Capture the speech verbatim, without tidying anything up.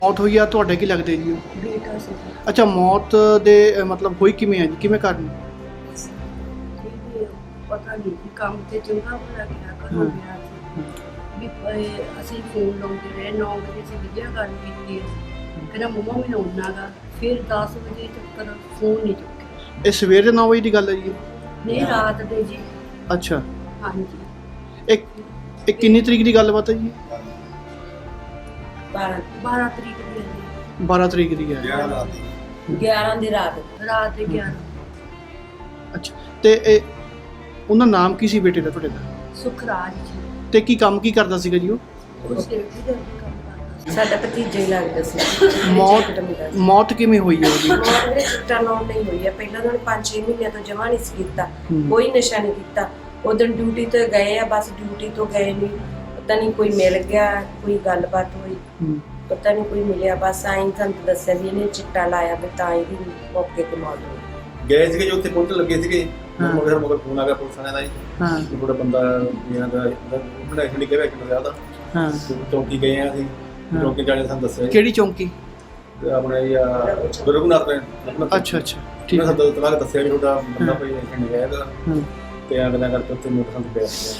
ਮੌਤ ਹੋਈ ਆ ਤੁਹਾਡੇ ਕੀ ਲੱਗਦੇ ਜੀ? ਬੇਟਾ ਸੀ। ਅੱਛਾ, ਮੌਤ ਦੇ ਅ, ਮਤਲਬ ਹੋਈ ਕਿਵੇਂ ਆ ਜੀ, ਕਿਵੇਂ ਕਾਰਨ? ਇਹ ਪਤਾ ਨਹੀਂ ਕਿ ਕੰਮ ਤੇ ਚੰਗਾ ਭਲਾ ਗਿਆ ਘਰੋਂ ਗਿਆ ਸੀ ਵੀ ਇਹ ਅਸੀਂ ਫੋਨ ਲਾਉਂਦੇ ਰਹੇ ਨੌ ਵਜੇ ਅਸੀਂ ਵੀਡੀਓ ਗੱਲ ਕੀਤੀ ਕਹਿੰਦਾ ਮੰਮਾ ਮੈਨੂੰ ਆਉਣਾ ਗਾ ਫਿਰ ਦਸ ਵਜੇ ਤੱਕ ਫੋਨ ਨਹੀਂ ਚੁੱਕਿਆ। ਇਹ ਸਵੇਰ ਦੇ ਨੌ ਵਜੇ ਦੀ ਗੱਲ ਹੈ ਜੀ? ਨਹੀਂ ਰਾਤ ਦੇ ਜੀ। ਅੱਛਾ, ਹਾਂਜੀ। ਇੱਕ ਇਹ ਕਿੰਨੀ ਤਰੀਕ ਦੀ ਗੱਲਬਾਤ ਹੈ ਜੀ? ਬਾਰਾਂ ਬਾਰਾਂ ਤਰੀਕ ਦੀ ਹੈ। ਬਾਰਾਂ ਤਰੀਕ ਦੀ ਹੈ। ਗਿਆਰਾਂ ਦੀ ਰਾਤ ਰਾਤ ਦੇ ਗਿਆਰਾਂ। ਅੱਛਾ, ਤੇ ਇਹ ਉਹਨਾਂ ਨਾਮ ਕੀ ਸੀ ਬੇਟੇ ਦਾ ਤੁਹਾਡੇ ਦਾ? ਸੁਖਰਾਜ ਜੀ। ਤੇ ਕੀ ਕੰਮ ਕੀ ਕਰਦਾ ਸੀਗਾ ਜੀ ਉਹ? ਉਹ ਸੇਫਟੀ ਦਾ ਕੰਮ ਕਰਦਾ ਸੀ। ਸਾਡਾ ਭਤੀਜਾ ਹੀ ਲੱਗਦਾ ਸੀ। ਮੌਤ ਮੌਤ ਕਿਵੇਂ ਹੋਈ ਹੈ ਉਹਦੀ? ਉਹਦੇ ਚਿੱਟਾ ਲਾਉਣ ਨਹੀਂ ਹੋਈ ਹੈ। ਪਹਿਲਾਂ ਉਹਨਾਂ ਨੇ ਪੰਜ ਛੇ ਮਹੀਨਿਆਂ ਤੋਂ ਜਮਾ ਨਹੀਂ ਸੀ ਕੀਤਾ, ਹੂੰ। ਕੋਈ ਨਸ਼ਾ ਨਹੀਂ ਕੀਤਾ। ਉਦੋਂ ਡਿਊਟੀ ਤੋਂ ਗਏ ਆ, ਬਸ ਡਿਊਟੀ ਤੋਂ ਗਏ ਨਹੀਂ, ਪਤਾ ਨਹੀਂ ਕੋਈ ਮਿਲ ਗਿਆ, ਕੋਈ ਗੱਲਬਾਤ ਹੋਈ, ਹੂੰ। ਪਤਾ ਨਹੀਂ ਕੋਈ ਮਿਲਿਆ, ਬਸ ਆਈਂ ਸਾਨੂੰ ਦੱਸਿਆ ਵੀ ਇਹਨੇ ਚਿੱਟਾ ਲਾਇਆ ਵੀ ਤਾਂ ਇਹਦੀ ਮੌਕੇ ਤੇ ਮੌਤ ਹੋ ਗਈ। ਗਏ ਸੀਗੇ ਜੋ ਉੱਥੇ ਪਹੁੰਚਣ ਲੱਗੇ ਸੀਗੇ, ਹਾਂ। ਮਗਰ ਮਗਰ ਫੋਨ ਆ ਗਿਆ ਪੁਲਿਸ ਵਾਲਿਆਂ ਦਾ ਜੀ। ਹਾਂ ਕਿ ਥੋੜਾ ਬੰਦਾ ਇਹਨਾਂ ਦਾ ਉਹਨਾਂ ਐਕਚੁਅਲੀ ਕਿਹਾ ਕਿ ਜ਼ਿਆਦਾ ਹਾਂ। ਚੌਕੀ ਗਏ ਆ ਅਸੀਂ, ਹਾਂ। ਚੌਕੀ ਜਾਣੇ ਸਾਨੂੰ ਦੱਸਿਆ ਜੀ। ਕਿਹੜੀ ਚੌਂਕੀ? ਤੇ ਆਪਣੇ ਇਹ ਰਘੁਨਾਥ ਨੇ ਅੱਛਾ ਅੱਛਾ, ਠੀਕ ਉਹਨਾਂ ਹੈ। ਸਾਨੂੰ ਤਲਾਕ ਦੱਸਿਆ ਵੀ ਤੁਹਾਡਾ ਬੰਦਾ ਕੋਈ ਐਕਸੀਡੈਂਟ ਗਿਆ ਹੈਗਾ ਹਾਂ। ਤੇ ਅਗਲਾ ਕਰਕੇ ਉੱਥੇ ਮੋਟਰਸਾਈਕਲ ਪਿਆ ਸੀ।